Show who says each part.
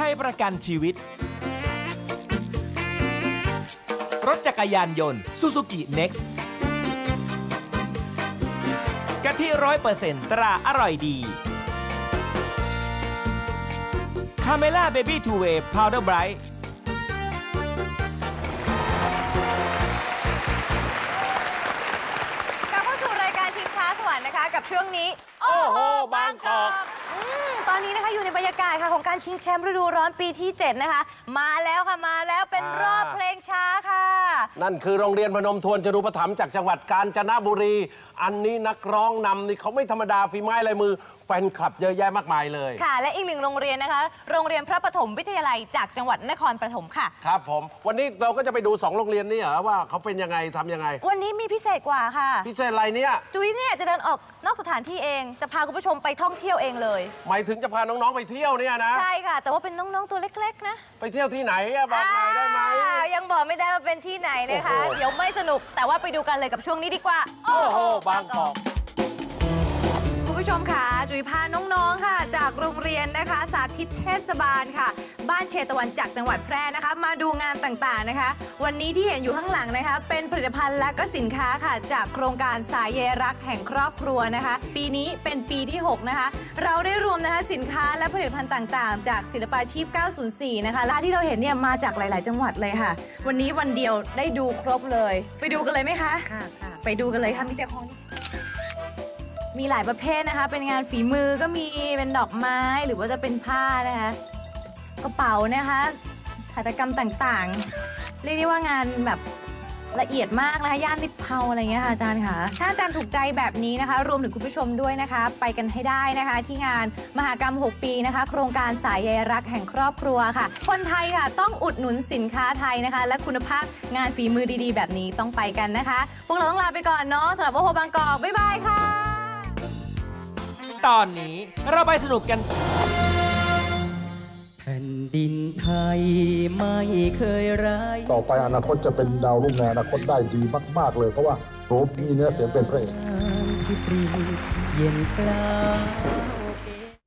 Speaker 1: ยประกันชีวิตรถจักรยานยนต์ซูซูกิเน็กซ์กะทิ100%ตราอร่อยดีคาเมล่าเบบี้ทูเวย์พาวเดอร์ไบรท์
Speaker 2: กลับเข้าสู่รายการชิงช้าสวรรค์นะคะกับช่วงนี้โอ้โหบางกอกตอนนี้นะคะอยู่ในบรรยากาศค่ะของการชิงแชมป์ฤดูร้อนปีที่ 7 นะคะมาแล้วค่ะมาแล้วเป็นรอบเพลงช้าค่ะ
Speaker 3: นั่นคือโรงเรียนพนมทวนจรูปถัมภ์จากจังหวัดกาญจนบุรีอันนี้นักร้องนำนี่เขาไม่ธรรมดาฝีไม้ลายมือแฟนคลับเยอะแยะมากมายเลย
Speaker 2: ค่ะและอีกหนึ่งโรงเรียนนะคะโรงเรียนพระปฐมวิทยาลัยจากจังหวัดนครปฐมค่ะ
Speaker 3: ครับผมวันนี้เราก็จะไปดู2โรงเรียนนี่เหรอว่าเขาเป็นยังไงทำยังไง
Speaker 2: วันนี้มีพิเศษกว่าค่ะ
Speaker 3: พิเศษอะไรเนี่ย
Speaker 2: จุ้ยเนี่ยจะเดินออกนอกสถานที่เองจะพาคุณผู้ชมไปท่องเที่ยวเองเลย
Speaker 3: หมายถึงจะพาน้องๆไปเที่ยวเนี่ยนะ
Speaker 2: ใช่ค่ะแต่ว่าเป็นน้องๆตัวเล็กๆนะ
Speaker 3: ไปเที่ยวที่ไหนบอกหน่อยได้ไหม
Speaker 2: ยังบอกไม่ได้ว่าเป็นที่ไหนนะคะเดี๋ยวไม่สนุกแต่ว่าไปดูกันเลยกับช่วงนี้ดีกว่า
Speaker 3: โอ้โหบางกอก
Speaker 2: คุณผู้ชมค่ะจุ๋ยพาน้องๆค่ะจากโรงเรียนนะคะสาธิตเทศบาลค่ะบ้านเชตวันจากจังหวัดแพร่นะคะมาดูงานต่างๆนะคะวันนี้ที่เห็นอยู่ข้างหลังนะคะเป็นผลิตภัณฑ์และก็สินค้าค่ะจากโครงการสายใยรักแห่งครอบครัวนะคะปีนี้เป็นปีที่6นะคะเราได้รวมนะคะสินค้าและผลิตภัณฑ์ต่างๆจากศิลปาชีพ904นะคะและที่เราเห็นเนี่ยมาจากหลายๆจังหวัดเลยค่ะวันนี้วันเดียวได้ดูครบเลยไปดูกันเลยไหมคะค่ะไปดูกันเลยค่ะมีแต่ของมีหลายประเภทนะคะเป็นงานฝีมือก็มีเป็นดอกไม้หรือว่าจะเป็นผ้านะคะกระเป๋านะคะหัตถกรรมต่างๆเรียกได้ว่างานแบบละเอียดมากนะคะย่านลิบเพาอะไรเงี้ยค่ะอาจารย์ค่ะถ้าอาจารย์ถูกใจแบบนี้นะคะรวมถึงคุณผู้ชมด้วยนะคะไปกันให้ได้นะคะที่งานมหกรรม6ปีนะคะโครงการสายใยรักแห่งครอบครัวค่ะคนไทยค่ะต้องอุดหนุนสินค้าไทยนะคะและคุณภาพงานฝีมือดีๆแบบนี้ต้องไปกันนะคะพวกเราต้องลาไปก่อนเนาะสำหรับโอโหบางกอกบ๊ายบายค่ะ
Speaker 1: ตอนนี้เราไปสนุกกัน
Speaker 4: แผ่นดินไทยไม่เคยร้าย
Speaker 5: ต่อไปอนาคตจะเป็นดาวรุ่งในอนาคตได้ดีมากๆเลยเพราะว่าโหมีเนื้อเสียงเป็นพระเอก
Speaker 4: ที่ปริเย็นกลาง